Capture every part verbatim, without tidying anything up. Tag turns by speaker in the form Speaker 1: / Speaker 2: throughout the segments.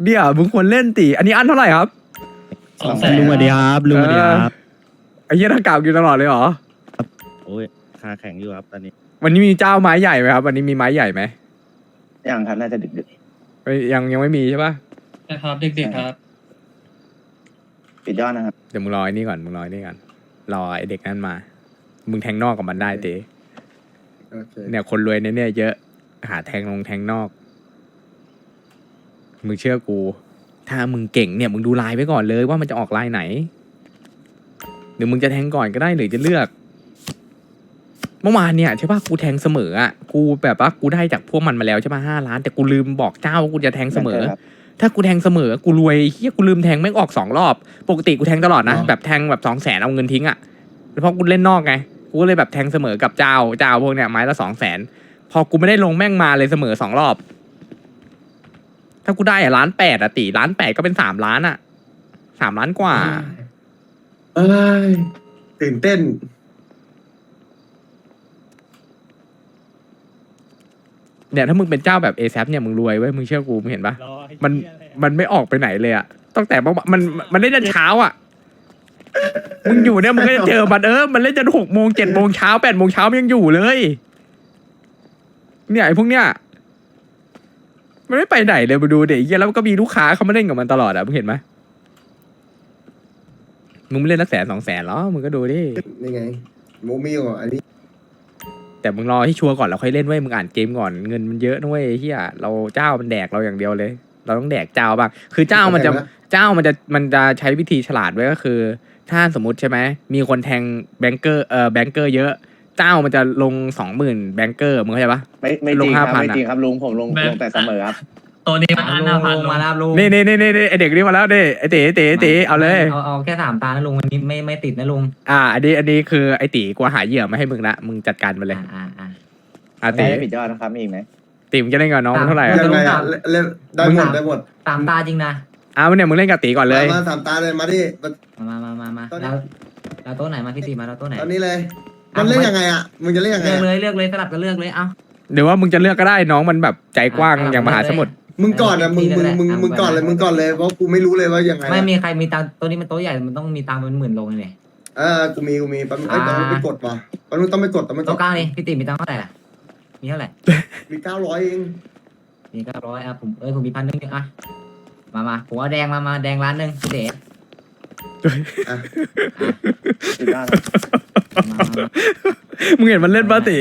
Speaker 1: เนี่ยมึงควรเล่นตีอันนี้อันเท่าไหร่ครับ
Speaker 2: สองแสน
Speaker 3: ลุงสวัสดีครับลุงสวัสดีครับ
Speaker 1: ไอ้เหี้ยถ้ากาวกินตลอดเลยเหรอ
Speaker 3: โอ้ยขาแข็งอยู่ครับตอนนี้
Speaker 1: วันนี้มีเจ้าไม้ใหญ่ไหมครับวันนี้มีไม้ใหญ่ไหม
Speaker 4: ยังครับน่าจะดึก
Speaker 1: เอ้ยยังยังไม่มีใช่ปะ
Speaker 2: นะครับเด็กๆครับ
Speaker 4: ๆปิดยอดนะครับ
Speaker 1: เดี๋ยวมึงรอไอ้นี่ก่อนมึงรอไอ้นี่ก่อนรอไอ้เด็กนั้นมา มึงแทงนอกกับมันได้เต๋
Speaker 5: โอเค
Speaker 1: เนี่ยคนรวยเนี่ยเนี่ยเยอะหาแทงลงแทงนอก มึงเชื่อกู ถ้ามึงเก่งเนี่ยมึงดูลายไว้ก่อนเลยว่ามันจะออกลายไหนหรือมึงจะแทงก่อนก็ได้หรือจะเลือก เมื่อวานเนี่ยใช่ปะกูแทงเสมออ่ะกูแบบว่ากูได้จากพวกมันมาแล้วใช่ปะห้าล้านแต่กูลืมบอกเจ้าว่ากูจะแทงเสมอ
Speaker 4: ครับ
Speaker 1: ถ้ากูแทงเสมอกูรวยเฮียกูลืมแทงแม่งออกสองรอบ ปกติกูแทงตลอดนะ แบบแทงแบบสองแสนเอาเงินทิ้งอ่ะเพราะกูเล่นนอกไงกูก็เลยแบบแทงเสมอกับเจ้าเจ้าพวกเนี้ยไม้ละสองแสนพอกูไม่ได้ลงแม่งมาเลยเสมอสองรอบ ถ้ากูได้อะล้านแปดอะตีล้านแปดก็เป็นสามล้านอะสามล้านกว่า
Speaker 5: เอ้ยตื่นเต้น
Speaker 1: เนี่ยถ้ามึงเป็นเจ้าแบบเอแซเนี่ยมึงรวยเว้ยมึงเชื่อกูมึงเห็นปะมันมันไม่ออกไปไหนเลยอะตั้งแต่เมื่อวานมันมันเล่นจนเช้าอะมึงอยู่เนี่ยมึงก็จะเจอมันเออมันเล่นจนหกโมงเจ็ดโมงเช้าแปดโมงเช้ามันยังอยู่เลย เนี่ยไอ้พวกเนี้ยมันไม่ไปไหนเลยมาดูเด็กเหี้ยแล้วก็มีลูกค้าเขามาเล่นกับมันตลอดอะมึงเห็นไหมมึงไม่เล่นนักแสนสองแสนหรอมึงก็ดูดิ
Speaker 5: นี่ไงโมมี่ก่อนอันนี้
Speaker 1: แต่มึงรอให้ชัวร์ก่อนเราค่อยเล่นเว้ยมึงอ่านเกมก่อนเงินมันเยอะนะเว้ยเฮียเราเจ้ามันแดกเราอย่างเดียวเลย เราต้องแดกเจ้าบ้างคือเจ้ามันจะเจ้ามันจะมันจะใช้วิธีฉลาดไว้ก็คือ ถ้าสมมติใช่ไหมมีคนแทงแบงเกอร์เอ่อแบงเกอร์เยอะเจ้ามันจะลงสองหมื่นแบงเกอร์มึงเข้าใจปะ
Speaker 4: ไม่ไม่จ
Speaker 1: ล
Speaker 4: ริ
Speaker 1: ง
Speaker 4: งครับ
Speaker 1: ห้าพัน
Speaker 4: ไม่จริงครับลุงผมลง
Speaker 2: แบบ
Speaker 4: ลงแต่เสมอครับ
Speaker 2: ตัวนี้มันอันหน้าพันมาแล้วลุง
Speaker 1: นี่นี่นี่นี่ไอเด็กนี่มาแล้วดิไอเต๋เต๋เต๋เอาเลย
Speaker 6: เอาเอาแค่สามตานะลุงวันนี้ไม่ไม่ติดนะลุง
Speaker 1: อ่าอันนี้อันนี้คือไอตีกูหาเหยื่อมาให้มึงละมึงจัดการมันเลย
Speaker 6: อ่าอ่าอ่า
Speaker 1: อ่า
Speaker 4: ไม่
Speaker 1: ตี
Speaker 4: ได้ปิดยอดนะครับมีอีกไหม
Speaker 1: ตีมึงจะเล่นกับน้องมันเท่าไหร่
Speaker 6: ค
Speaker 1: อะ
Speaker 6: บ
Speaker 5: ยังไงอ่ะเล่นเล่นได้หมดได้หมด
Speaker 6: สามตาจริงนะ
Speaker 1: อ้าวเนี่ยมึงเล่นกับตีก่อนเลย
Speaker 5: มามาสามตาเลยมาที่มา
Speaker 6: มามามามามา
Speaker 5: ตอนนี้
Speaker 6: แล้วแล้วโต๊ะไหนมาพี่ตีมาแล้วโต๊ะไหน
Speaker 5: ตอนนี้เลย มันเล่นยังไงอ่ะมึงจะเล่นยังไง
Speaker 6: เลือก
Speaker 5: อะ
Speaker 6: เลยเลือกเลยสลับกันเลือกเลยเอ้า
Speaker 1: หรือว่ามึงจะเลือกก็ได้น้องมันแบบใจกว้างอย่างมหาสมุทร
Speaker 5: มึงก่อนอ่ะมึงมึงมึงมึงก่อนเลยมึงก่อนเลยเพราะกูไม่รู้เลยว่ายังไงอะ
Speaker 6: ไม่มีใครมีตังค์โต๊ะนี้มันโต๊ะใหญ่มันต้องมีตังค์เป็นหมื่นลงเลยเนี่ย
Speaker 5: เออกูมีกูมีแป๊บนึงไอ้ยต้องไปกดว่ะแป๊บนึงต้องไปกดต้องไปก
Speaker 6: โต๊ะ
Speaker 5: ด
Speaker 6: กลางนี่พี่ตีมีตังค์เท่าไหร่ล่ะมีเท่าไหร่
Speaker 5: มีเก้าร้อยเอง
Speaker 6: มีเก้าร้อยอ่ะผมเอ้ยผมมีพันหนึ่งอ่ะมามาผมเอาแดงมามาแดงล้านหนึ่งพี่เต๋
Speaker 5: อ่ะ
Speaker 4: ปิดยอดครับ
Speaker 6: มามามา
Speaker 1: มึงเห็นมันเล่นปะตี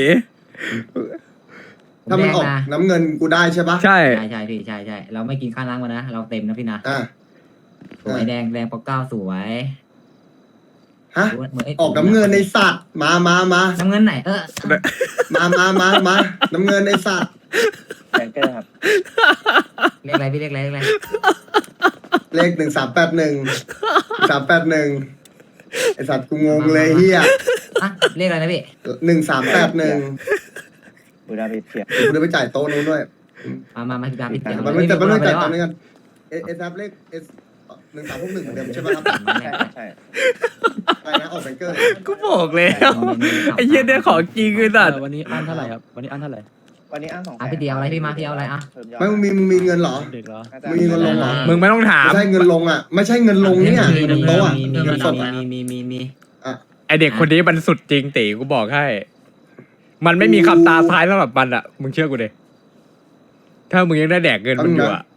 Speaker 5: ถ้ามันออก
Speaker 6: แดงนะ
Speaker 5: น้ำเงินกูได้ใช่ปะ
Speaker 1: ใช่
Speaker 6: ใช่ใช่พี่ใช่ใช่เราไม่กินข้าวล้างมานะเราเต็มนะพี่นะ
Speaker 5: อ่ะ
Speaker 6: สวยแดงแดงปอกเก้าสวย
Speaker 5: ฮะ
Speaker 6: เหมือนไ
Speaker 5: ออกน้ำเงินในสัตว์มามามา
Speaker 6: น้ำเงินไหนเออ
Speaker 5: มามามามาน้ำเงินในสัตว์
Speaker 4: แบงเกอร์ครับ
Speaker 6: เรียกอะไรพี่เรียกอะไรเรียกอะไร
Speaker 5: เลขหนึ่งสามแปดหนึ่งสามแปดหนึ่งไอสัตว์กูงงเลยเฮีย
Speaker 6: อ่ะเรียกอะไรนะพี่
Speaker 5: หนึ่งสามแปดหนึ่ง
Speaker 4: บูดาปิดเสีย
Speaker 5: กูจะไปจ่ายโต๊ะนู้นด้วย
Speaker 6: มามามาพี่ดาพี่เต๋อ
Speaker 5: มันไม่แต่มันไม่จ่าย
Speaker 6: ไป
Speaker 5: ตอน
Speaker 6: แล้ว
Speaker 5: นี้กันเอเอสเลขเอสหนึ่งสามพวกหนึ่งเหมือนเดิมใช่ไหมครับ
Speaker 4: ใช่ครับใช่
Speaker 5: อะไรนะออกแบงเกอร์
Speaker 1: กูบอกแล้วไอ้เหี้ยเนี่ยของจริงเลยสัตว์
Speaker 3: วันนี้อันเท่าไหร่ครับวันนี้อันเท่าไหร่
Speaker 4: วันนี้อ้างสองแส
Speaker 6: อ่ะ
Speaker 4: น
Speaker 6: พี่เต๋อเอาอะไรพี่มาพี่เอาอะไรอ่ะ
Speaker 4: เพิ่ยอด
Speaker 5: ไม่มึงมีมึงมีเงินเหรอ
Speaker 3: เด็กเหรอ
Speaker 4: น่าจะ
Speaker 5: มีเงินลงเหรอ
Speaker 1: มึงไม่ต้องถาม
Speaker 5: ไม่ใช่เงินลงอ่ะ ไม่ใช่เงินลงเนี่ย
Speaker 6: มี
Speaker 5: เงิน
Speaker 6: มี
Speaker 5: โต๊ะอ่ะ
Speaker 6: มีมี
Speaker 5: เงินสด
Speaker 6: มีมีมีมี
Speaker 1: ไอเด็กคนนี้มันสุดจริงตีกูบอกให้ มันไม่มีคำตาท้ายสำหรับมันอ่ะ มึงเชื่อกูดิถ้ามึงยังได้แดกเงินมึงอยู่อ่ะ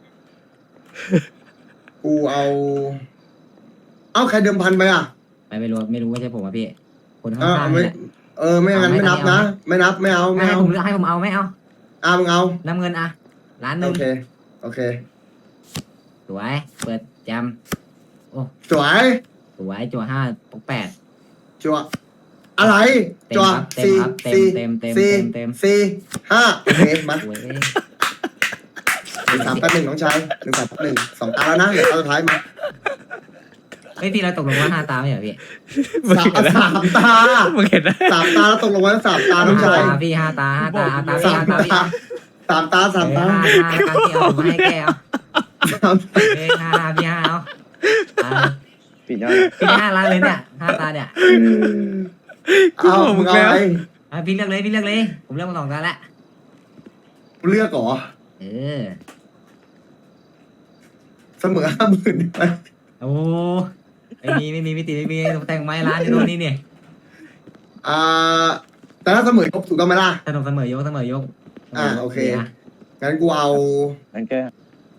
Speaker 5: กูเอา เอ้าใครเดิมพันไปอ่ะ
Speaker 6: ไม่ไม่รู้ไม่รู้ไม่ใช่ผมอ่ะพี่คน
Speaker 5: เอ
Speaker 6: ข้า
Speaker 5: อง
Speaker 6: ๆ
Speaker 5: ไม่
Speaker 6: นี่แหละ
Speaker 5: เออไม่งั้นไม่นับนะ ไม่นับไม่เอา
Speaker 6: ไม่
Speaker 5: ไม่
Speaker 6: ให้
Speaker 5: เอา
Speaker 6: ผมเลือกให้ผมเอาไม่เอา
Speaker 5: อ่ามึงเอา
Speaker 6: น้ำเงินอ่ะล้านห
Speaker 5: โอ
Speaker 6: นึ่ง
Speaker 5: เคโอเค
Speaker 6: สวยเปิดแจม
Speaker 5: สวย
Speaker 6: สวยจั่วห้าปกแปด
Speaker 5: จัวอะไร
Speaker 6: เต็ม
Speaker 5: จัว
Speaker 6: ครับเต็ม
Speaker 5: สี่
Speaker 6: ครับเต็ม
Speaker 5: สี่
Speaker 6: เต็มเต็ม
Speaker 5: สี่
Speaker 6: เต็ม
Speaker 5: สี่ห้าโอเคมา
Speaker 6: สวย
Speaker 5: หนึ่งสามแปดหนึ่งน้องชายหนึ่งสามแปดหนึ่งสองตาแล้วนะเหลือตาสุดท้ายมา
Speaker 6: เฮ้ยพี่เราตกลงว่าห้าตาไม่เหรอพี่
Speaker 1: มึง
Speaker 5: สาม
Speaker 1: เห็นนะ
Speaker 5: สามตา
Speaker 1: มึงเห็นนะ
Speaker 5: สามตาแล้วตกลงไว้ว่าสามตาน้องชาย
Speaker 6: ตาพี่ห้าตาห้าตาห้าตาพี่
Speaker 5: สาม
Speaker 6: ห้าตาพี่
Speaker 5: ตาสามตาสามตา
Speaker 6: เออห้าตาห้าตาพี่เอาผมให้แกเอา
Speaker 5: สาม
Speaker 6: เอ้ยห้าพี่ห้าเอาอ่า
Speaker 4: ปิดยอด
Speaker 6: พี่ห้าล้านเลยเนี่ยห้าตาเนี่ย
Speaker 5: เอามึงเอาอะไร
Speaker 6: อ่ะพี่เลือกเลยพี่เลือกเลย ผมเลือกมาสองตาแล้ว
Speaker 5: กูเลือกเหรอ
Speaker 6: เออ
Speaker 5: เสมอห้าหมื่น
Speaker 6: โอ้ไม่มีไม่มีไม่ติไม่มีแต่งไม้ร้านอยู่ตรงนี้เนี่ย
Speaker 5: อ่าแต่ถ้าเสมอยกถูกต้องไหมล่ะ
Speaker 6: สนุกเสมอยกเสมอยก
Speaker 5: อ่าโอเค
Speaker 6: นะ
Speaker 5: งั้นกูเอา
Speaker 4: แบงเกอร์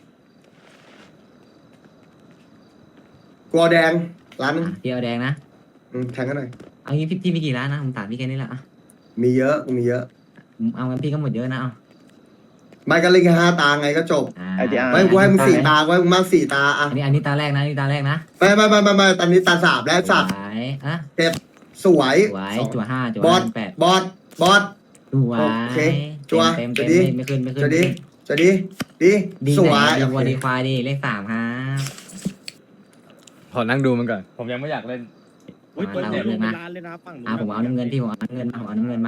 Speaker 5: กูเอาแดงร้านหนึง
Speaker 6: อ่ะพี่เอาแดงนะ
Speaker 5: อืมแทงกันหน่อย
Speaker 6: เอางี้พี่พี่มีกี่ร้านนะผมถามพี่แค่นี้แหละอ่ะ
Speaker 5: มีเยอะกูมีเยอะ
Speaker 6: ผมเอางั้นพี่ก็หมดเยอะนะเอา
Speaker 5: ไม่ก็เล่นแค่ห้าตาไงก็จบ
Speaker 6: อ่า
Speaker 4: ไอทีอาร์
Speaker 5: ไม่กูให้มึงสี่ตากูให้มึงมากสี่ตาอ่ะ
Speaker 6: อันนี้อันนี้ตาแรกนะอันนี้ตาแรกนะ
Speaker 5: ไม่ไม่ไม่ไม่ไม่ตอนนี้ตาสามแล้วสัตว์
Speaker 6: สวยอ่ะ
Speaker 5: เก็บสวย
Speaker 6: สวย
Speaker 5: สอง
Speaker 6: จั่วห้าจั่ว
Speaker 5: บอ
Speaker 6: ห้า
Speaker 5: ส
Speaker 6: แปด
Speaker 5: บอสบอส
Speaker 6: สวย
Speaker 5: โอเคจั่ว
Speaker 6: เต็ม
Speaker 5: จั่
Speaker 6: เต็
Speaker 5: ว
Speaker 6: ม
Speaker 5: ดี
Speaker 6: ไม่ขึ้นไม่ขึ้น
Speaker 5: จะ
Speaker 6: ไม่
Speaker 5: ดี
Speaker 6: ขึ้น
Speaker 5: จะดีดี
Speaker 6: ดี
Speaker 5: ส
Speaker 6: ไห
Speaker 5: วน ย
Speaker 6: ดี
Speaker 5: โอ
Speaker 6: วัว
Speaker 5: เค
Speaker 6: ดีควายดีเลขสามครับ
Speaker 1: ขอนั่งดูมันก่อน ผมยังไม่อยากเล่น
Speaker 3: อุ้ย
Speaker 6: อ่า
Speaker 3: เปิด
Speaker 6: เอา
Speaker 3: เจ
Speaker 6: เรื่อง
Speaker 3: เป็
Speaker 6: นะ
Speaker 3: นร้านเลยนะฝั่งนู้น
Speaker 6: อ่าผมเอาน้ำเงินพี่ผมเอาน้ำเงินมาผมเอาน้ำเงินมา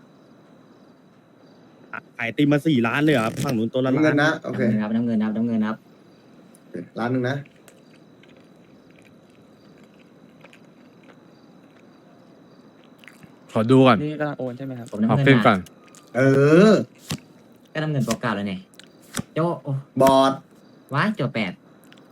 Speaker 3: ขายตีมาสี่ล้านเลยเหรอครับฝั่งนู้นตัวละ
Speaker 5: น้ำ
Speaker 3: ล้า
Speaker 5: เงิน
Speaker 3: น
Speaker 5: นะโอเค
Speaker 6: น้ำเงินครับน้ำเงินครับน้ำเงินครับ
Speaker 5: โอเคร้านหนึ่งนะ
Speaker 1: ขอดูก่อน
Speaker 3: นี่กำลังโอนใช่ไหมครับ
Speaker 6: ผมน้ำ
Speaker 1: ขอ
Speaker 6: เงิน
Speaker 1: ขึ้นก่อ
Speaker 6: นะ
Speaker 1: น
Speaker 5: เออ
Speaker 6: ก็น้ำเงินเก่าๆแล้วเนี่ยโจโอ้
Speaker 5: บอส
Speaker 6: ว้ายจั่วแปด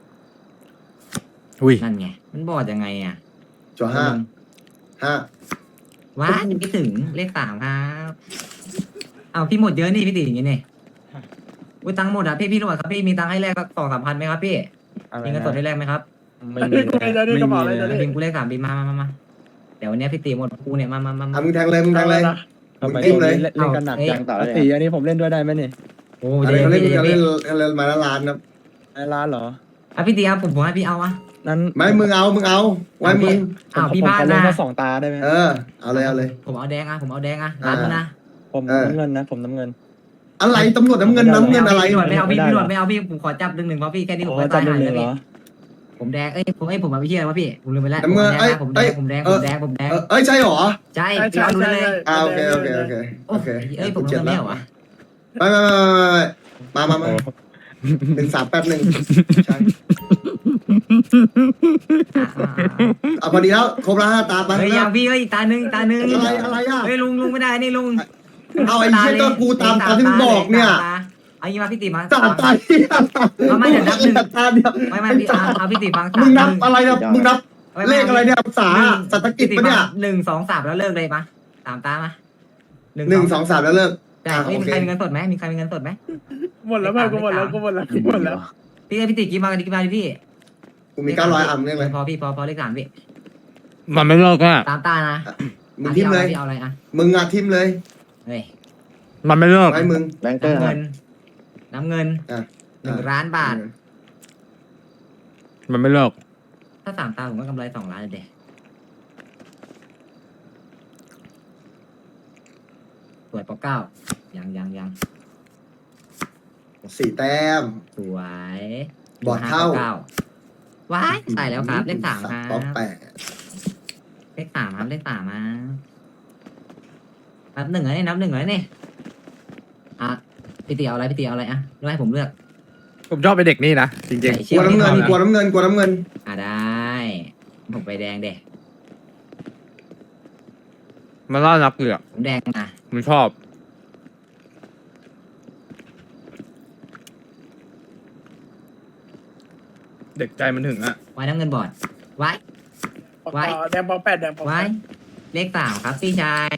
Speaker 1: อุ้ย
Speaker 6: นั่นไงมันบอดยังไงอ่ะ
Speaker 5: จัวห้าห้า
Speaker 6: ว้ายยังไม่ถึงเลขสามครับเอาพี่หมดเยอะนี่พี่ตีอย่างงี้เนี่ยอุ้ยตังค์หมดอ่ะพี่พี่รวจครับพี่มีตังค์ให้แลกสักสองสามพันไหมครับพี่มีเงินสดให้แลกไหมครับ
Speaker 3: ไม่มีไม่มีเลย
Speaker 6: บิมกูเลขสามบิมมามามามาเดี๋ยววันนี้พี่ตีหมดกูเนี่ยมามามา
Speaker 5: อ่ะมึงแทงเลยมึงแทงเลย
Speaker 3: ทำไม
Speaker 5: จิ้มเลย
Speaker 3: เล่นกันหนักจัง
Speaker 4: ต่อเลย
Speaker 3: ตีอันนี้ผมเล่นด้วยได้ไหมนี่
Speaker 6: โอ้
Speaker 5: อะไร
Speaker 6: เดี๋ยว
Speaker 5: เขาเล่น
Speaker 6: พี่
Speaker 5: เขา
Speaker 6: เดี๋
Speaker 5: เล่
Speaker 6: ย
Speaker 5: น
Speaker 6: วพี่
Speaker 5: เขาเล่นมาละล้านนะ
Speaker 3: ในร้านเหรอ
Speaker 6: อ่ะพี่ตีครับผมผมให้พี่เอาอะ
Speaker 3: นั้น
Speaker 5: ไม่มึงเอามึงเอาไว้มึง
Speaker 6: อ้าวพี่
Speaker 3: ผม
Speaker 6: บ้าน
Speaker 3: ขอเล่น
Speaker 6: นะ
Speaker 3: แค่สองตาได้ไหม
Speaker 5: เออเอาเลยเอาเลย
Speaker 6: ผมเอาแดงอะผมเอาแดงอะร้านมึงนะ
Speaker 3: ผม
Speaker 5: เออ
Speaker 3: น้ำเงินนะ ผมน้ำเงิน
Speaker 5: อะไรตำรวจน้ำเงินน้ำเงินอะไร
Speaker 6: พี่หนวดไม่เอาพี่
Speaker 3: ไม่ได้
Speaker 6: พี่หนวดไม่เอาพี่ผมขอจับหนึ่งหนึ่งเพราะพี่แค่นี้ผม
Speaker 3: โอ้
Speaker 6: ก็
Speaker 3: จั
Speaker 6: ตา
Speaker 3: บ
Speaker 6: ย
Speaker 3: หนึ่
Speaker 6: หาง ย
Speaker 3: หนึ่
Speaker 6: แล้ว
Speaker 3: งเหร
Speaker 6: พี่
Speaker 3: อ
Speaker 6: ผมแดงเอ้ยผมเอ้ยผมเอาไปเชื่อวะพี่ผมลืมไปแล้ว
Speaker 5: น้ำเงิน
Speaker 6: ผมแด
Speaker 5: เอ้ย
Speaker 6: งผมแดง
Speaker 5: เอ้
Speaker 6: ผม
Speaker 5: ย
Speaker 6: แดงผมแดง
Speaker 5: เอ
Speaker 6: ผมแดง
Speaker 5: อเอ้ยใช่หรอ
Speaker 6: ใช่พี่เอาดูเลย
Speaker 5: อ่าโอเคโอเคโอเค
Speaker 6: โอ้
Speaker 5: โอเค
Speaker 6: เอ้ยผมเงินไม่เหรอวะ
Speaker 5: ไม่ไม่ไม่ไม่ไม่มามามาหนึ่งสามแปดหนึ่งใช่
Speaker 6: อ่ะอ่ะอ่ะ
Speaker 5: เอาพอดีแล้วครบแล้วห้าตาไป
Speaker 6: เฮ้ยยังพี่เอ้ยอีกตาหนึ่งอีกตาหนึ่ง
Speaker 5: อะไรอะไรอ่ะ
Speaker 6: เฮ้ยลุงลุงไม่ได้นี่ลุง
Speaker 5: เอาไอ้เชี่ยก็กูตามตามที่มึงบอกเนี่ย
Speaker 6: เอางี้มาพี่ตีมา
Speaker 5: สามตาที่
Speaker 6: เอาไม่เดี๋ยวนับหนึ่ง
Speaker 5: ตาเดียว
Speaker 6: ไม่ไม่พี่เอาเอาพี่ตีฟัง
Speaker 5: มึงนับอะไรเนี่ยมึงนับ
Speaker 6: ไม่
Speaker 5: เล
Speaker 6: ม่
Speaker 5: ขอะไรเนี่ยภาษาเศรษฐกิจปะเนี่ย
Speaker 6: หนึ่งสองสามแล้วเลิกเลยปะสามตามา
Speaker 5: หนึ่งสองสามแล้วเลิก
Speaker 6: แต่
Speaker 5: อ่ะ
Speaker 6: เฮ้ย
Speaker 5: โอ
Speaker 6: มี
Speaker 5: เค
Speaker 6: ใครมีเงินสดไหมมีใครมีเงินสดไหม
Speaker 3: หมดแล้วเพื่อนกูหมดแล้วกูหมดแล้วกูหมดแล้ว
Speaker 6: พี่พี่ตีกี่มากันกี่มาดิพี่
Speaker 5: กูมีเก้าร้อยอ่ะมึงเรียกเลย
Speaker 6: พอพี่พอพอเลขสามพี่
Speaker 1: มันไม่เลิกอ่ะ
Speaker 6: ตามตานะ
Speaker 5: มึงทิมเลย
Speaker 6: พี่เอาอะไรอ่ะ
Speaker 5: มึงอ่ะทิมเลย
Speaker 6: เฮ้ย
Speaker 1: มันไม่เลิก
Speaker 5: ไว้มึง
Speaker 4: แบงเกอร์
Speaker 6: น้ำ
Speaker 4: ครั
Speaker 6: เงิ
Speaker 4: บ
Speaker 6: นน้ำเงิน
Speaker 5: อ่ะ
Speaker 6: หนึ่งล้านบาท
Speaker 1: มันไม่เลิก
Speaker 6: ถ้าสามตาผมก็กำไรสองล้านเลยเด็สวยปอเก้ายังยังยัง
Speaker 5: สี่แต้ม
Speaker 6: สวย
Speaker 5: บอดเท่า
Speaker 6: ก้ว้ายใส่แล้วครับเลขสามครั
Speaker 5: ป๊อป
Speaker 6: บ
Speaker 5: แปด
Speaker 6: เลขสามครับเลขสามมานับหนึ่งเลยนี่นับหนึ่งเลยนี่อ่ะพี่ตีเอาอะไรพี่ตีเอาอะไรอ่ะเลือกให้ผมเลือก
Speaker 1: ผมชอบไปเด็กนี่นะ จริง
Speaker 6: ใส่
Speaker 5: ก
Speaker 6: เชื
Speaker 5: ลั
Speaker 6: อ
Speaker 5: ว
Speaker 6: ก
Speaker 5: น้ำเงิน
Speaker 6: นี่
Speaker 5: กลัวน้ำเงินกลัวน้ำเงิน
Speaker 6: อ่ะได้ผมไปแดงเด็
Speaker 1: ๆ มันน่ารักเลยอ่ะ
Speaker 6: ผมแดงนะ
Speaker 1: มันชอบ เด็กใจมันถึงอ่ะ
Speaker 6: ไว้น้ำเงินบอดไว้ ไว้
Speaker 3: แดงปอแปดแดงปอ
Speaker 6: ไว้เลขสามครับพี่ชาย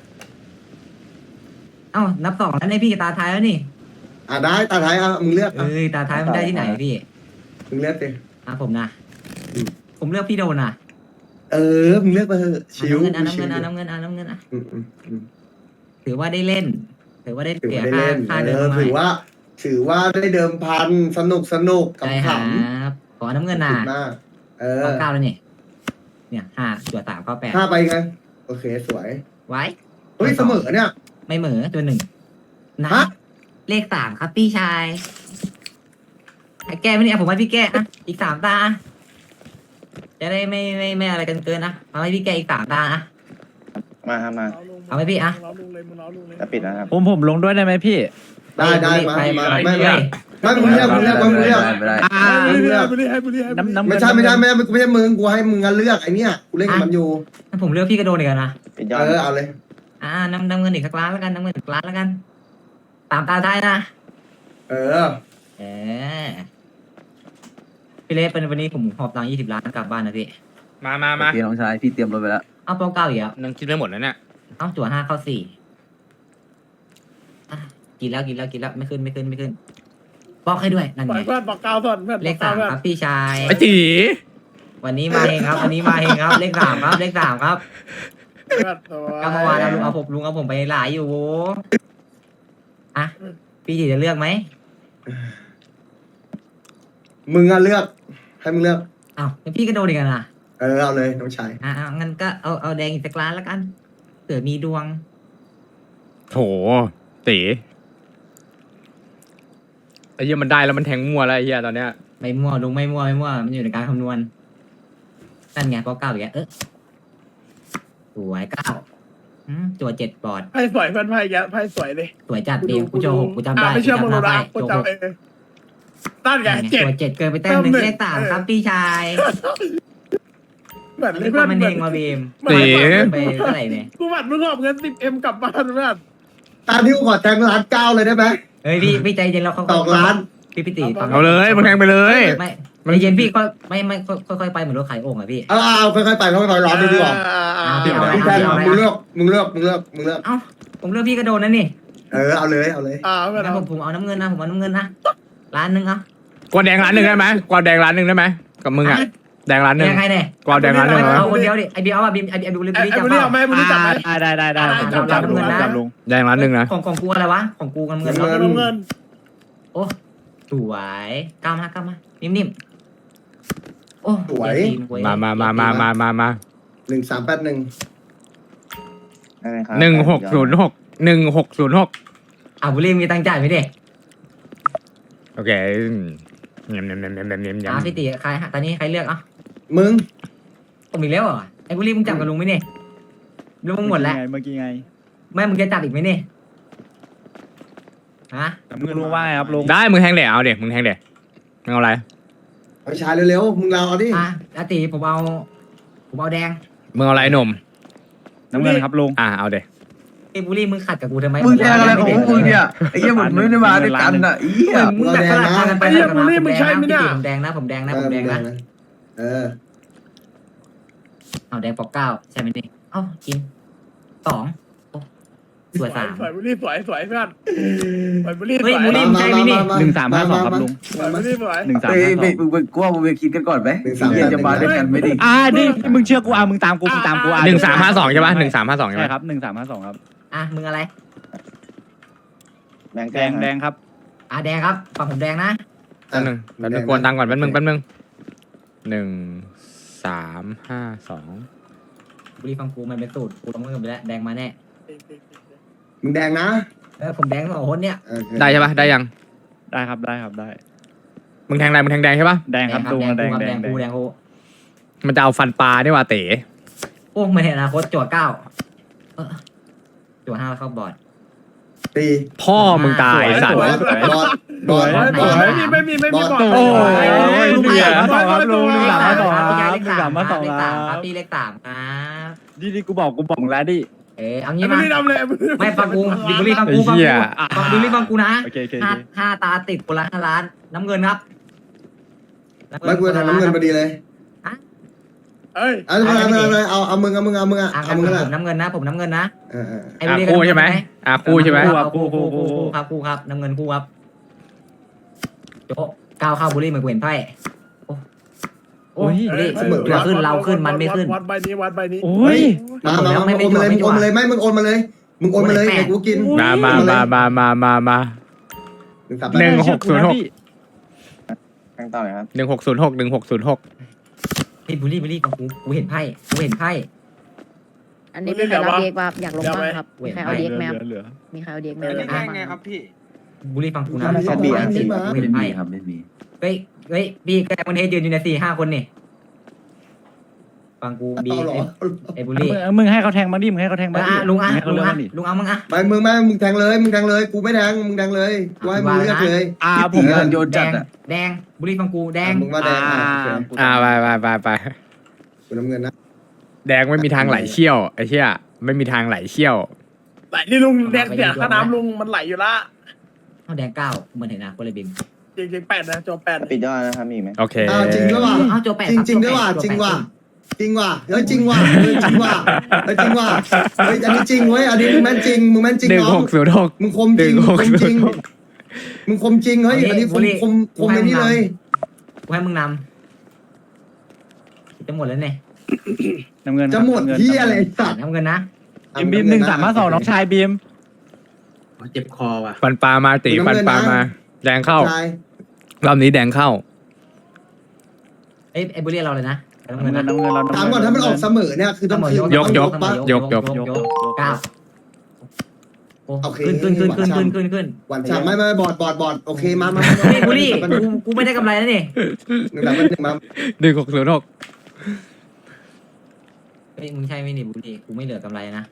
Speaker 6: เอ้านับสองแล้วในพี่ตาท้ายแล้วนี่
Speaker 5: อ่ะได้ตาท้ายอ่ะมึงเลือกอ่ะ
Speaker 6: เอ้ยตาท้ายมันได้ที่ไหนพี่
Speaker 5: มึงเลือกดิ
Speaker 6: อ่ะผมนะ
Speaker 5: อืม
Speaker 6: ผมเลือกพี่โดนนะ
Speaker 5: เออมึงเลือกไปเถอะชิว
Speaker 6: อ่ะน้ำ
Speaker 5: ชิ
Speaker 6: เงิน
Speaker 5: ว
Speaker 6: อ่ะน้ำเงินอ่ะน้ำเงินอ่ะน้ำเงินอ่ะ
Speaker 5: อืมอืมอืม
Speaker 6: ถือว่าได้เล่น ถือว่าได้
Speaker 5: ถือ
Speaker 6: เสีย
Speaker 5: ว่าได้
Speaker 6: ค่า
Speaker 5: เล่น
Speaker 6: ค่า
Speaker 5: เอ
Speaker 6: เดิน
Speaker 5: อ
Speaker 6: มา
Speaker 5: ถือว่า ถือว่าได้เดิมพันสนุกสนุกกับ
Speaker 6: ใช่ค
Speaker 5: ข
Speaker 6: รับ
Speaker 5: ำ
Speaker 6: ขอน้ำเงิน
Speaker 5: ข
Speaker 6: น่ะ
Speaker 5: อบคุณมาก เออ
Speaker 6: ข้อเก้าแล้วนี่เนี่ยห้าจั่วสามข้อแปด
Speaker 5: ห้าไปไงโอเคสวย
Speaker 6: ไว้
Speaker 5: เฮ้ยเสมอเนี่ย
Speaker 6: ไม่เหมือตัวหนึ่งนะ
Speaker 5: ฮะ
Speaker 6: เลขสามครับพี่ชายให้แก้ไม่เนี่ยผมให้พี่แก้อะอีกสามตาอะจะได้ไม่ไม่ไม่อะไรกันเกินนะเอาให้พี่แก้อีกสามตาอะ
Speaker 4: มาครับมา
Speaker 6: เอาไหมพี่อะ
Speaker 4: จะปิดนะครับ
Speaker 3: ผมผมลงด้วยได้ไหมพี่
Speaker 5: ได้ได้มา
Speaker 6: ไป
Speaker 5: มา
Speaker 6: ไป
Speaker 5: ไม่
Speaker 6: ไป
Speaker 5: ไม่ไม่มึงเลือกมึงเลือกมึงเลือกอ่ามึงเลือก
Speaker 3: น้ำน้ำ
Speaker 5: ไม่ใช่ไม่ใช่ไม่ใช่ไม่ใช่มึงกูให้มึงงั้นเลือกไอ้เนี่ยกูเล่นกับมันอยู่
Speaker 6: ถ้าผมเลือกพี่ก็โดนอีกแล้วนะ
Speaker 4: ปิดยอ
Speaker 5: เอ
Speaker 4: ด
Speaker 5: อเอาเลย
Speaker 6: อ่าน้ำน้ำเงินอีกสักล้านแล้วกันน้ำเงินอีกล้านแล้วกันสามตาท้ายนะ
Speaker 5: เออ
Speaker 6: เออพี่เล็กเป็นวันนี้ผมหอบตังค์ยี่สิบล้านกลับบ้านนะพี่
Speaker 1: มามามา
Speaker 7: โอเคน้องชายพี่เตรียมรถไปแล้ว
Speaker 6: เอาเป้าเก้าอีกแล้ว
Speaker 1: นังคิดไม่หมดแล้วเนี่ย
Speaker 6: เอาจั่วห้าเข้าสี่อ่ะกินแล้วกินแล้วกินแล้วไม่ขึ้นไม่ขึ้นไม่ขึ้นบอกให้ด้วยนั่น
Speaker 3: ปล่
Speaker 6: ไง
Speaker 3: อยเพื่อนบอกกาวส่วนเพื่อน
Speaker 6: เลขสามครับพี่ชาย
Speaker 1: ไอ้ตี
Speaker 6: วันนี้มาเองครับ วันนี้มาเองครับ เลขสามครับ เลขสามครับ
Speaker 3: เพื่อนตัว
Speaker 6: ก็เมื่อวานนะลุงเอาผมลุงเอาผมไปหลายอยู่อ่ะพี่จีจะเลือกไหม
Speaker 5: มึงอะเลือก ให้มึงเลือก
Speaker 6: อ้าวงั้นพี่ก็โดนอีกแล้วนะ
Speaker 5: เออเอาเลยน้องชาย
Speaker 6: อ่ะอ่ะงั้นก็เอาเอาแดงอีกสักล้านแล้วกันเผื่อมีดวง
Speaker 1: โถตีไอ้เหี้ยมันได้แล้วมันแทงมั่วแล้วไอ้เหี้ยตอนเนี้ย
Speaker 6: ไม่มั่วลุงไม่มั่วไม่มั่วมันอยู่ในการคำนวณนั่นไงก็เก้าอีกแล้วเออสวยเก้าอืมตัวเจ็ดปอด
Speaker 3: ไพ่สวยเพื่อนไพ่แกไพ่สวยเลย
Speaker 6: สวยจัดเดียวกูโจหกกูจำได้
Speaker 3: อ่ะไม่เชื่อมึง
Speaker 6: จำห
Speaker 3: รู้
Speaker 6: น้า
Speaker 3: นะ
Speaker 6: ไป
Speaker 3: กู
Speaker 6: โจหก
Speaker 3: จำเองตั้นไง
Speaker 6: นั่นไง
Speaker 3: เจ็ด
Speaker 6: ตัวเจ็ดเกินไปแต้มหนึ่ง
Speaker 3: เติมหนึ่ง
Speaker 6: เลขสามครับพี่ชาย
Speaker 3: เหมือน
Speaker 6: อัน
Speaker 3: เล
Speaker 6: นี้
Speaker 3: ย
Speaker 6: ค
Speaker 3: เพื่อน น
Speaker 6: มัน
Speaker 3: เห
Speaker 6: เฮ
Speaker 3: มือน
Speaker 6: งมาบีม
Speaker 3: เหมือนเหมือน
Speaker 6: ไปเท่าไหร่เนี่ย
Speaker 3: กูบัตรมึงหอบเงินสิบเอ็มกลับบ้านเพื่อน
Speaker 5: ตามที่กูขอแทงล้านเก้าเลยได้ไหม
Speaker 6: เฮ้ยพี่พี่ใจเย็นเราเขา
Speaker 5: ตอกล้าน
Speaker 6: พี่พี่ตีฟัง
Speaker 1: เอาเลยมันแทงไปเลย
Speaker 6: ไม่ใจเย็นพี่ก็ไม่ไม่ค่อยๆไปเหมือนรถขายโอ่งอะพี่
Speaker 5: เอาเอาเอาค่อยๆไปค่อยๆร้อนดูดีกว่า
Speaker 6: อ่าพี่เอาไหม
Speaker 5: มึงแทงมึงเลือกมึงเลือกมึงเลือกมึงเลือก
Speaker 6: เอ้าผมเลือกพี่ก็โดนนั่นนี่
Speaker 5: เออเอาเลยเอาเลย
Speaker 3: อ่าเพื่อน
Speaker 6: งั้นผมผมเอาน้ำเงินนะผมเอาน้ำเงินนะล้านหนึ่งเอา
Speaker 1: กวาดแดงร้านหนึ่งได้ไหมกวาดแดงร้านหนึ่งได้ไหมกับมึงอ่ะแดงร้านหนึ่ง
Speaker 6: ยังไงเนี่ย
Speaker 1: กวาดแดงร้านหนึ่งเหรอ
Speaker 6: เอาคนเดียวดิไอเบียเอาอะบีมไอไอบิวลิ
Speaker 3: ไอ้
Speaker 6: ลี่
Speaker 3: ไอ้
Speaker 6: จับ
Speaker 3: บุรีเอาไหมบุรีจับไหม
Speaker 7: ได้ได้ได้ผมจับ
Speaker 3: จับ
Speaker 7: ลุง
Speaker 3: จับ
Speaker 7: จับลุง
Speaker 1: แดงร้านหนึ่งนะ
Speaker 6: ของของกูอะไรวะของกูน้ำเงิน
Speaker 3: เอา
Speaker 6: เนาะ
Speaker 3: เงินเงิน
Speaker 6: โอ้สวยก้าวมาก้าวมานิ่มๆโอ้
Speaker 1: มามามามามามามา
Speaker 5: หนึ่งสามแปดหนึ่ง
Speaker 4: ได้ไหมครับ
Speaker 1: หนึ่งหกศูนย์หกหนึ่งหกศูนย์หก
Speaker 6: อ่ะบุรีมีตังค์จ่ายไหมเด็ก
Speaker 1: โอเคเงียบเงียบเงียบเงียบเงียบเงียบเงีย
Speaker 6: อ่ะ
Speaker 1: บ
Speaker 6: พี่ตีใครตอนนี้ใครเลือกอ่ะ
Speaker 5: มึง
Speaker 6: ผมอีกแล้วเหรอไอ้บุรีมึงจับกับลุงไหมเนี่ยลุงมึงหมดแล้ว
Speaker 7: เมื่อกี้ไง
Speaker 6: แม่มึงจะจับอีกไหมเนี่ยฮะ
Speaker 7: ลุงลุงว่าไงครับลุง
Speaker 1: ได้มึงแทงเดี๋ยวเอาเดี๋ยวมึงแทงเดี๋ยวมึงเอาอะไร
Speaker 5: เอาชายเร็วๆมึงเราเอาดิ
Speaker 6: อ่ะอาตีผมเอา ผมเอาแดง
Speaker 1: มึงเอาอะไรหนุ่ม
Speaker 7: น้ำเงินครับลุง
Speaker 1: อ่ะเอาเดี๋ยว
Speaker 6: ไอ้บุรีมึงขัดกับกูทำไม
Speaker 7: มึงแทงอะไรของมึงเนี่ยไอ้เหี้ยผมไม่ได้มาด้วยกันอ่ะไอ้เหี้ย
Speaker 6: มึงแบบประหลาดทางกันไปทางกันมาผมแดงนะพี่ตีผมแดงนะผมแดงนะผมแดงนะ
Speaker 5: เออ
Speaker 6: เอาแดงปอกเก้าใช่ไหมนี่เอ้ากินสองโอ้สวยสาม
Speaker 3: สวยบุรีสวยสวยเพื่อนสวยบุรีส
Speaker 6: เฮ้ย
Speaker 3: วย
Speaker 6: บุรี
Speaker 5: มามามามา
Speaker 7: หนึ่งสามห้าสองครับลุง
Speaker 3: สวยบุรีสวย
Speaker 7: หนึ่งสาม
Speaker 8: เฮ้ย
Speaker 7: ห้าส
Speaker 8: ไป
Speaker 7: อง
Speaker 8: มึงไปกลัวมึงไปคิดกันก่อนไหม
Speaker 5: หนึ่งสาม
Speaker 8: เฮียจะมาด้วยกันไม่ดิ
Speaker 7: อ่าดิมึงเชื่อกูอ่ะมึงตามกูมึงตามกูอ่ะ
Speaker 1: หนึ่งสามห้าสองใช่ปะหนึ่งสามห้าสองใช่
Speaker 7: ใช่
Speaker 1: ไหม
Speaker 7: ครับหนึ่งสามห้าสองครับ
Speaker 6: อ่ะมึงอะไร
Speaker 4: แบงค์
Speaker 7: แดงแดงครับ
Speaker 6: อ่ะแดงครับฝั่งผมแดงนะ
Speaker 1: แป๊บนึงแป๊บนึงกวนตังค์ก่อนแป๊บนึงแป๊บนึงหนึ่งสามห้าสอง
Speaker 6: บุรีฟังกูมันเป็นสูตรกูต้องเงินไปแล้วแดงมาแน่
Speaker 5: มึงแดงนะ
Speaker 6: เออผมแดงสองคนเนี่ย
Speaker 5: โอเค
Speaker 1: ได้ใช่ปะได้ยัง
Speaker 7: ได้ครับได้ครับได้
Speaker 1: มึงแทงอะไรมึงแทงแดงใช่ปะ
Speaker 7: แดงครับลุง
Speaker 6: แด
Speaker 7: แด
Speaker 6: ง
Speaker 7: ง
Speaker 6: แด
Speaker 7: แด
Speaker 6: ง
Speaker 7: ง
Speaker 6: กูแดงกู
Speaker 1: มันจะเอาฟันปลานี่ว่าเต๋
Speaker 6: โอ้ไม่เห็นอนาคตจั่วเก้าเออจั่วห้าแล้วเข้าบอร์ด
Speaker 5: ตี
Speaker 1: พ่อมึงตายสัตว์
Speaker 5: บอดบอดบอด
Speaker 3: สวยไม่มีไม่มีไม่มีบอก
Speaker 1: โอ้ย
Speaker 7: ลุงสามมาสองครับลุงลุงสามมาสองค
Speaker 6: พี่
Speaker 7: รับ
Speaker 6: เล
Speaker 7: ลุ
Speaker 6: ข
Speaker 7: ง
Speaker 6: สา
Speaker 7: สาม มมาสอง
Speaker 6: เลข
Speaker 7: ค
Speaker 6: สา
Speaker 7: รั
Speaker 6: มครับ
Speaker 7: บ
Speaker 6: พี่เลขสามครับ
Speaker 7: ดีดีกูบอกกูบอกแล้วดิ
Speaker 6: เออเอางี้
Speaker 3: บุ
Speaker 6: มา
Speaker 3: รีทำเลย
Speaker 6: ไม่ฟังกูดิบุรีฟังกูฟังกูฟังดิบุรีฟังกูนะ
Speaker 7: โอเคโอเค
Speaker 6: ห้าห้าตาติดคนละห้าล้าน น้ำเงินครับ
Speaker 5: ไม่กูจะทำน้ำเงินพอดีเลย
Speaker 3: เอ้ย
Speaker 5: เอาเอาเอาเอาเอาเอามึงเอามึงเอามึงอะ
Speaker 6: อ่ะ
Speaker 5: เอามึงก็ได้
Speaker 6: ผมน้ำเงินนะ ผมน้ำเงินนะ
Speaker 5: เออเออ
Speaker 6: ไอ้
Speaker 1: อา
Speaker 6: บุรี
Speaker 1: คู่ใช่ไหมอาคู่ใช่ไหม
Speaker 6: คู่คู่คู่คู่ครับคู่ครับน้ำเงินคู่ครับโจ๊ะก้าวเข้าบุรีเหมือนเห็นไพ่โอ้โอ้บุรีจั่วขึ้นเราขึ้นมันไม่ขึ้น
Speaker 3: วัดใบนี้วัดใบนี้
Speaker 7: โอ้ย
Speaker 5: มามามาโอนมาเลยมึงโอนมาเลยไม่มึงโอนมาเลยมึงโอนมาเลยเดี๋ยวกูกิน
Speaker 1: มามามามามามามา
Speaker 5: หนึ่งสาม
Speaker 1: หนึ่งหกศูนย์หก
Speaker 4: แบงค์ต่อเลยครับ
Speaker 1: หนึ่งหกศูนย์หกหนึ่งหกศูนย์หก
Speaker 6: ไอ้บุรีบุรีฟังกูกูเห็นไพ่กูเห็นไพ่
Speaker 9: อันนี้มีใครรับเด็กบ้างอยากลงบ้างครับ มีใครเอาเด็กแมว
Speaker 7: เหลือ
Speaker 9: มีใครเอาเด็กแมว
Speaker 8: อัน
Speaker 9: อยา
Speaker 8: นี้
Speaker 9: ก
Speaker 8: แด
Speaker 9: ลง
Speaker 8: ง
Speaker 9: บ้าง
Speaker 8: ไงครับพี่
Speaker 6: บุรีฟังกูนะ
Speaker 5: ไม่
Speaker 6: สอง
Speaker 5: มี
Speaker 6: ล้านสี่
Speaker 5: ไม่
Speaker 6: กู
Speaker 5: มี
Speaker 6: เห็น
Speaker 7: ไม่
Speaker 6: ไพ่
Speaker 7: มีครับไม่มี
Speaker 6: เฮ้ยเฮ้ยพี่แกมันเทยืนอยู่ในสี่ห้าคนนี่ฟังกูบี
Speaker 5: เอาเหรอ
Speaker 6: ไอ้บุรี
Speaker 7: มึงให้เขาแทงบ้างดิมึงให้เขาแทงบ้าง
Speaker 6: อ่ะลุงอ่ะ
Speaker 7: ให้เขา
Speaker 6: ลุ
Speaker 7: เลื
Speaker 6: ง
Speaker 7: อก
Speaker 6: อ่ะ
Speaker 7: บ้างดิ
Speaker 6: ลุงเอามึงอ่ะ
Speaker 5: ไปมึงไม่มึงแทงเลยมึงแทงเลยกูไม่แทงมึงแทงเลยกูให้มึงเลือกเลย
Speaker 7: อ่าผมเงินโยน
Speaker 6: แด
Speaker 7: จัด
Speaker 6: ง
Speaker 7: อ่ะ
Speaker 6: แดงบุรีฟังกูแดง
Speaker 5: มึงว่าแดงอ่ะโอเค
Speaker 1: อ่าไปไปไปไป
Speaker 5: กูน้ำเงินนะ
Speaker 1: แดงไม่มีทางไหลเชี่ยวไอ้เชี่ยไม่มีทางไหลเชี่ยว
Speaker 3: ไหลนี่ลุงแดงเสียค่าน้ำลุงมันไหลอยู่ละ
Speaker 6: เอาแดงเก้าเหมือนเห็นนะคนเลยบิม
Speaker 3: จริงจริงแปดนะจบแปด
Speaker 4: ปิดยอดนะครับมีอีกไหม
Speaker 1: โอเค
Speaker 5: อ้าวจริงด้วยว่ะ
Speaker 6: เอาโจแปด
Speaker 5: จริง
Speaker 6: คบ
Speaker 5: จริงด้วยว่ะ
Speaker 6: โจแป
Speaker 5: จริงว่ะ
Speaker 6: โจแปด
Speaker 5: จริงว่ะเฮ้ยจริงว่ะเฮ้ยจริงว่ะเฮ้ยจริงว่ะเฮ้ยอันนี้จริงเว้ยอันนี้มึงแม่นจริงมึงแม่นจริง
Speaker 1: หนึ่ง
Speaker 5: น้อ
Speaker 1: ห
Speaker 5: ง
Speaker 1: กศูนย์หก
Speaker 5: มึงคมจริง
Speaker 1: หนึ่ง
Speaker 5: มึ
Speaker 1: ห
Speaker 5: ง
Speaker 1: ก
Speaker 5: คมจริง
Speaker 1: ศูนย์หก
Speaker 5: มึงคมจริงเฮ้ยอันนี้คมคมคมไอ้นี่เลย
Speaker 6: กูให้มึงนำจะหมดแล้วเนี่ย
Speaker 8: น้ำเงิน
Speaker 5: จะหมดที่อะไรสัตว์
Speaker 6: น้ำเงินนะ
Speaker 8: บีมบีมหนึ่งสามห้าสองน้องชายบีม
Speaker 7: เจ็บคอว่ะ
Speaker 1: ฟันปลามาตีฟันปลามา แดงเข้า
Speaker 5: ชาย
Speaker 1: รอบนี้แดงเข้า
Speaker 6: เอ้ยไอ้บุรีเราเลยนะน้ำ
Speaker 8: น้ำ
Speaker 6: เงิน
Speaker 8: เงิน
Speaker 6: นะ
Speaker 8: น้ำเงินเรา
Speaker 5: ถามก่อนถ้ามันออกเสมอเนี่ยคือต้องคืน
Speaker 1: ยกยก
Speaker 5: ปะ
Speaker 1: ยกยก
Speaker 6: ยกเก้าโอ้
Speaker 5: โอเค
Speaker 6: ขึ้นขึ้นขึ้นขึ้นขึ้นขึ้นขึ้น
Speaker 5: หวานฉ่ำไม่ไม่บอดบอดบอดโอเคมามา
Speaker 6: เฮ้ยบุรีกูกูไม่ได้กำไรแล้วนี่
Speaker 5: หนึ่งแบบหนึ่งมา
Speaker 1: หนึ่งหกศูนย์หก
Speaker 6: เฮ้ยมึงใช่ไหมนี่บุรีกูไม่เหลือกำไรนะ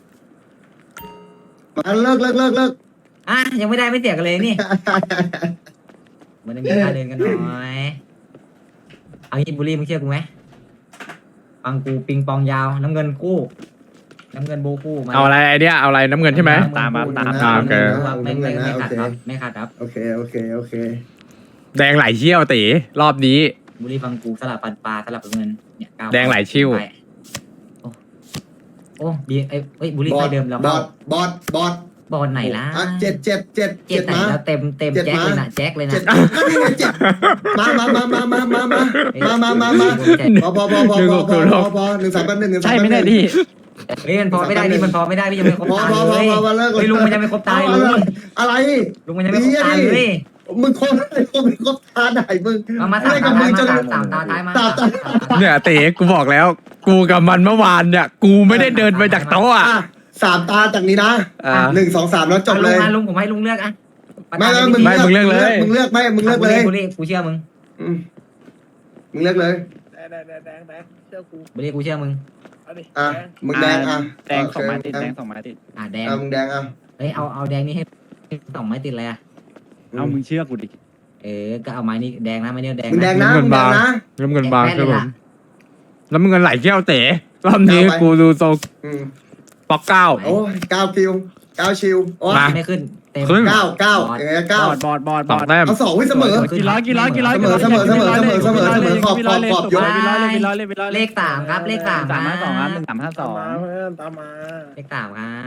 Speaker 5: มาเลิกเลิกเลิกเลิก
Speaker 6: อ่ะยังไม่ได้ไม่เสียกันเลยนี่มันจะมีค่าเดินกันหน่อยเอางี้บุรีมึงเชื่อกูไหมฟังกูปิงปองยาวน้ำเงินคู่น้ำเงินโบคู่มา
Speaker 1: เอาอะไรไอเดียเอาอะไรน้ำเงินใช่ไหม
Speaker 8: ตามมาตาม
Speaker 1: อ่าโอเค
Speaker 6: ไม่ไม่ไม่ขาดครับไม่ขาดครับ
Speaker 5: โอเคโอเคโอเค
Speaker 1: แดงไหลเชี่ยวตีรอบนี้
Speaker 6: บุรีฟังกูสลับปันปลาสลับเงินเนี่ยก้าว
Speaker 1: แดงไหลชิว
Speaker 6: ไปโอ้โอ้ดีไอ้เอ้ยบุรี
Speaker 5: บ
Speaker 6: ไฟ
Speaker 5: อด
Speaker 6: เดิมแล้ว
Speaker 5: บอดบอดบอด
Speaker 6: บอลไหนล่ะ
Speaker 5: อ่ะเจ็ดเจ็ดเจ็ด
Speaker 6: เจ็
Speaker 5: เจ็
Speaker 6: ด
Speaker 5: ด
Speaker 6: ไหน
Speaker 5: มา
Speaker 6: แล้วเต็มเต็ม
Speaker 5: เจ็ด
Speaker 6: แจ็คเลย
Speaker 5: มา
Speaker 6: นะแจ็คเลยนะ
Speaker 5: เจ็ดก็นี่ไงเจ็ดมามามามามามามามามามามาพอพอพอพอพอพอพอพอหนึ่งสามแปดหนึ่งหนึ่งสาม
Speaker 8: ใช่
Speaker 5: แปด
Speaker 8: ไม่
Speaker 5: ห
Speaker 8: ได้
Speaker 5: นึ่ง
Speaker 8: ดิ
Speaker 6: เฮ้ยมันพอไม่ได้นี่มันพอไม่ได้พี่ยังไม่ครบ
Speaker 5: พอ
Speaker 6: ตา
Speaker 5: พอพอ
Speaker 6: เลย
Speaker 5: พอพอเลิก
Speaker 6: เฮ้ยลุงมันยังไม่ครบตาลุง
Speaker 5: อะไร
Speaker 6: ลุงมันยังไม่ครบตาเลย
Speaker 5: มึงครบครบครบตาไหนมึง
Speaker 6: มามาสามตาท้ายมาสามตาท้ายมา
Speaker 5: ตาตา
Speaker 1: เนี่ยเต๋กูบอกแล้ว กูกับมันเมื่อวานเนี่ยกูไม่ได้เดินไปจากโต๊ะอ่ะ
Speaker 5: อ่ะสามตาจากนี้นะ
Speaker 1: อ่า
Speaker 5: หนึ่งสองสามแล้วจบเลย
Speaker 6: มาลุงผมให้ลุงเลือกอ่ะ
Speaker 5: ไม่ไม่มึง
Speaker 1: ไม่มึงเลือกเลย
Speaker 5: มึงเลือกไม่มึงเลือกเลย
Speaker 6: บุรีกูเชื่อมึง
Speaker 5: อืมมึงเลือกเลย
Speaker 3: แดงแดงแดงแดงแดงเชื่อกู
Speaker 6: บุรีกูเชื่อมึง
Speaker 3: เอาดิ
Speaker 5: อ่ะมึงแดงอ่ะ
Speaker 8: แดงสองไม้ติดแดงสองไม้ติด
Speaker 6: อ่ะแดง
Speaker 5: อ่ะมึงแดงอ่ะ
Speaker 6: เฮ้ยเอาเอาแดงนี่ให้สองไม้ติดเลยอ่ะ
Speaker 8: เอามึงเชื่อกูดิ
Speaker 6: เออก็เอาไม้นี้แดงนะไม้นี้แดง
Speaker 5: มึงแดงนะ
Speaker 1: เงิ
Speaker 5: มึ
Speaker 1: น
Speaker 5: งแด
Speaker 1: บาง ง
Speaker 5: นะ
Speaker 1: น้ำเงินบางครับผมแล้วมึงเงินไหลเชี่ยวเต๋รอบนี้กูดูทรง
Speaker 5: อืม
Speaker 1: ป๊อกเก้า
Speaker 5: โอ้ยเก้าคิวเก้าชิวโอ้ย
Speaker 1: มา
Speaker 6: ไม่ขึ้นเต็ม
Speaker 1: ครึ่ง
Speaker 5: เก้าเก้าอย่างเงี้ย
Speaker 8: บ
Speaker 5: เก้า
Speaker 8: อดบอดบอด
Speaker 1: ส
Speaker 8: บ
Speaker 1: อ
Speaker 8: อง ด
Speaker 1: แต้ม
Speaker 5: เอาสองไว้เสมอ
Speaker 8: กี่ร้อยกี่ร้อยกี่ร้อย
Speaker 5: เสมอเสมอเสมอเสมอเสมอเสมอขอบขอบขอบยก
Speaker 8: วิลอยเลยวิลอยเลยวิลอย
Speaker 6: เลขสามครับเลขสาม
Speaker 8: สามห้าสองครับหนึ่งสามห้าส
Speaker 3: ตา
Speaker 8: อ
Speaker 3: ม
Speaker 8: ง
Speaker 3: มาเพื่อนตามมา
Speaker 6: เลขสามครับ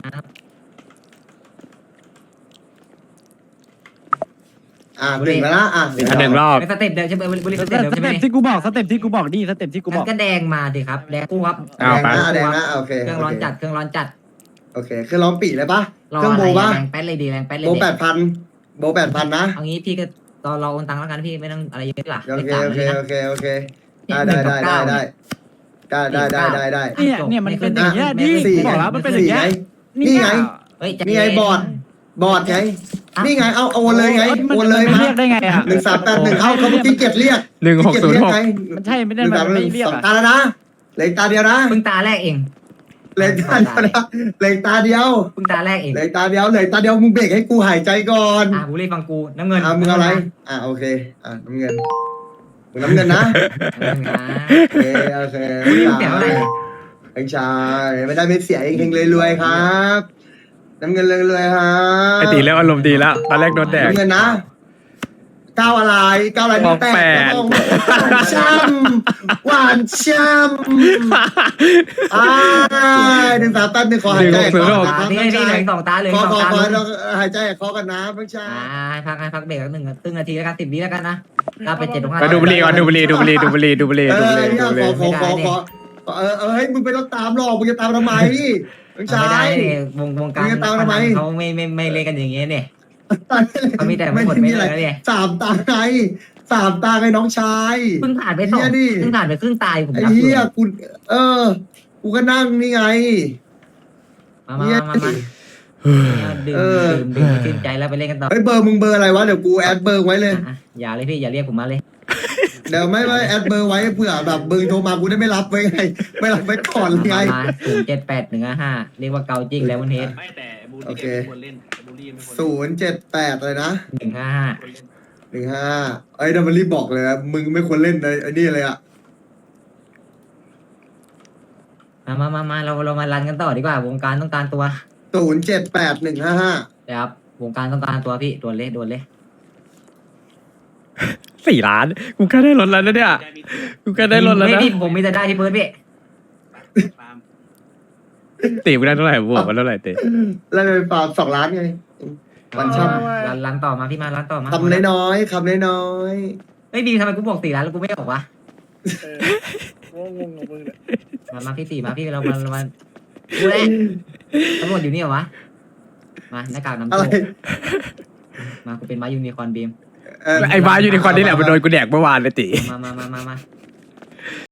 Speaker 5: อ่ะหนึ่งแล้วนะอ่ะ
Speaker 1: อันหนึ่งรอบ
Speaker 6: เป็นสเต็ปเดิมใช่ไหมบุรี
Speaker 8: ส
Speaker 6: สเต็ป
Speaker 8: เต็ป
Speaker 6: เดิมใช่ไหม
Speaker 8: ที่กูบอกสเต็ปที่กูบอกดิสเต็ปที่กูบ
Speaker 6: งั้
Speaker 8: อก
Speaker 6: นก็แดงมาดิครับแดงคู่ครับ
Speaker 1: เอาไป
Speaker 5: แดงนะโอเค
Speaker 6: เครื่องร้อนจัดเครื่องร้อนจัด
Speaker 5: โอเคเครื่องร้อนปีเลยปะ
Speaker 6: รอ
Speaker 5: เครื่อง
Speaker 6: อะไร
Speaker 5: โบปะ
Speaker 6: แรงแป๊ดเลยดีแรงแป๊ดเลย
Speaker 5: โบ
Speaker 6: ดี
Speaker 5: แปดพันโบแปดพันนะ
Speaker 6: เอางี้พี่ก็ตอนรอโอนตังค์แล้วกันพี่ไม่ต้องอะไรเยอะหรอก
Speaker 5: โอ
Speaker 6: เลข
Speaker 5: เค
Speaker 6: สาม
Speaker 5: โอเค
Speaker 6: เลยนะ
Speaker 5: โอเคโอเคได้ได้ได้ได้ได้ได้ได้ได้ได้
Speaker 8: เนี่ยเนี่ยมันเป็นอย่างเงี้ยดิกูบอกแล้วมันเป็นอย่างเงี้ย
Speaker 5: นี่ไง
Speaker 6: เฮ้ย
Speaker 5: นี่ไงบอร์ด บอร์ดไงนี่ไงเอาโอนเลยไงโอนเลย
Speaker 8: มัน
Speaker 5: มา
Speaker 8: เรียกได้ไงอ่ะ
Speaker 5: หนึ่งสามแปดหนึ่งเอาเขาเมื่อกี้เกียรติเรียก
Speaker 1: หนึ่งหกศูนย์หก
Speaker 8: มันใช่ไม่
Speaker 5: ห
Speaker 8: ได้
Speaker 5: นึ่ง
Speaker 8: มั
Speaker 5: สาม
Speaker 8: น
Speaker 5: ห
Speaker 8: ไม่
Speaker 5: นึ่ง
Speaker 8: เรียก
Speaker 5: สอง
Speaker 8: อ่ะ
Speaker 5: ตาแล้วนะเหล็กตาเดียวนะ
Speaker 6: เพิ่งตาแรกเอง
Speaker 5: เหล็กตาเดียวนะเหล็กตาเดียว
Speaker 6: เพิ่งตาแรกเอง
Speaker 5: เหล็กตาเดียวเหล็กตาเดียวมึงเบรกให้กูหายใจก่อน
Speaker 6: อ่ะบุรีฟังกูน้ำเงิน
Speaker 5: อ่ะมึงเอาอะไร อ่ะโอเค อ่ะน้ำเงินมึงน้ำเงินนะ
Speaker 6: น้ำเงินนะ
Speaker 5: โอเคโอเค
Speaker 6: บุรีเสียเท่าไหร่
Speaker 5: ไอ้ชายไม่ได้ไม่เสียเองๆรวยๆครับ น้ำเงินรวยๆครับ
Speaker 1: ไอตีเริ่มอารมณ์ดีแล้วตอนแรกโดนแดก
Speaker 5: น้ำเงินนะก้าวอะไรก้าวอะไร
Speaker 1: บอกแปด
Speaker 5: หวานช่ำหวานช่ำอ่าหนึ่งสามแปดหนึ่งขอหายใจ
Speaker 1: หนึ่งหกศูนย์หก
Speaker 5: ครับ
Speaker 6: นี่
Speaker 5: น้อง
Speaker 6: นี่เหลื
Speaker 5: ชาย
Speaker 6: องสองตาเหลือง
Speaker 5: ขอ
Speaker 6: สอง
Speaker 5: ขอ
Speaker 6: ตา
Speaker 5: ขอ
Speaker 6: ลุง
Speaker 5: หายใจคอกันนะน้องชาย
Speaker 6: อ่าให้พักให้พักเบรกสักหนึ่งครึ่งนาทีแล้วกันสิบวิแล้วกันนะเราไปเจ็ดตรงห้า
Speaker 1: ไปดูบุหรี่ก่อนดูบุหรี่ดูบุหรี่ดูบุหรี่ดูบุหรี่
Speaker 5: เอ
Speaker 1: ดูบุ
Speaker 5: อ
Speaker 1: หรี่
Speaker 5: เนี่ย
Speaker 1: ดูบุห
Speaker 5: ขอ
Speaker 1: รี่
Speaker 5: ขอขอขอขอเออเออให้มึงไปต้องตามหรอกมึงจะตามทำไมน้องชา
Speaker 6: ไม่ได้
Speaker 5: ย
Speaker 6: เนี่ยวงวงการ
Speaker 5: มึงจะตามทำไม
Speaker 6: เขาไม่ไม่ไม่เล่นกันอย่างเงี้ยเนี่ย เขามีแต่
Speaker 5: ไม่
Speaker 6: หมด
Speaker 5: ได้
Speaker 6: ไม่
Speaker 5: มีอะไร
Speaker 6: เลยเนี่ย
Speaker 5: สามตาไงสามตาไงน้องชาย
Speaker 6: เพิ่งผ่านไปสอง
Speaker 5: เหี้ยดิ
Speaker 6: เพิ่งผ่านไปครึ่งตายผม
Speaker 5: ไอ้
Speaker 6: รับอ
Speaker 5: เหี้
Speaker 6: ยู่
Speaker 5: ยกูเออ กูก็นั่งนี่ไง
Speaker 6: มามามามามาดื่ม
Speaker 5: เออ
Speaker 6: ดื่มดื่มชื่นใจแล้วไปเล่นกันต่อ
Speaker 5: เฮ้ยเบอร์มึงเบอร์อะไรวะเดี๋ยวกูแอดเบอร์ไว้เลย
Speaker 6: อ่ะอย่าเลยพี่อย่าเรียกผมมาเลย
Speaker 5: เดี๋ยวไม่ไม่แอดเบอร์ไว้เผื่อแบบเบอร์โทรมากูได้ไม่รับไว้ไงไม่รับไว้ก่อนไง
Speaker 6: มาศูนย์เจ็ดแปดหนึ่งห้าเรียกว่าเกาจริงแล้ววันเทส
Speaker 2: ไม่แต่บูล
Speaker 5: โอ
Speaker 2: ลี่
Speaker 5: เค
Speaker 2: ไม่ควรเล่นบูลลี่ไม่ควร
Speaker 5: ศูนย์เจ็ดแปดเลยนะ
Speaker 6: หนึ่งห้าห้า
Speaker 5: หนึ่งห้าไอ้ดัมเบลลี่บอกเลยนะมึงไม่ควรเล่นในไอ้นี่เลยอ่ะ
Speaker 6: มามามามาเราเรามารันกันต่อดีกว่าวงการต้องการตัว
Speaker 5: ศูนย์เจ็ดแปดหนึ่งห้าห้า
Speaker 6: นะครับวงการต้องการตัวพี่ด่วนเลยด่วนเลย
Speaker 1: สี่ล้านกูแค่ได้รถแล้วนะเนี่ยกูแค่ได้รถแล้ว
Speaker 6: ไม่
Speaker 1: นะ
Speaker 6: พี่ผมมีแต่ได้ที่เบิร์ดพี่
Speaker 1: ตีกูได้เท่าไหร่บวกมาเท่าไหร่ตี
Speaker 5: แล้วไปฟาร์มสองล้านไง วันช่ำ
Speaker 6: ร้านร้านต่อมาพี่มาร้านต่อมา
Speaker 5: คำน้อยๆคำน้อย
Speaker 6: เฮ้ยบีทำไมกูบอกสี่ร้านแล้วกูไม่ออกวะ
Speaker 3: เอองงงกับมึงเนี่ย
Speaker 6: มามาพี่สี่มาพี่เรามาเรามาดูแลตำรวจอยู่นี่เหรอวะมาหน้ากากน้ำ
Speaker 5: ๆอะไร
Speaker 6: โตมากูเป็นม้ายูนิคอร์นบีม
Speaker 5: เอ่อ
Speaker 1: ไอ้บ้าอยู่ในควันนี่แหละมันโดนกูแดกเมื่อวานเลยตี
Speaker 6: มามามามามา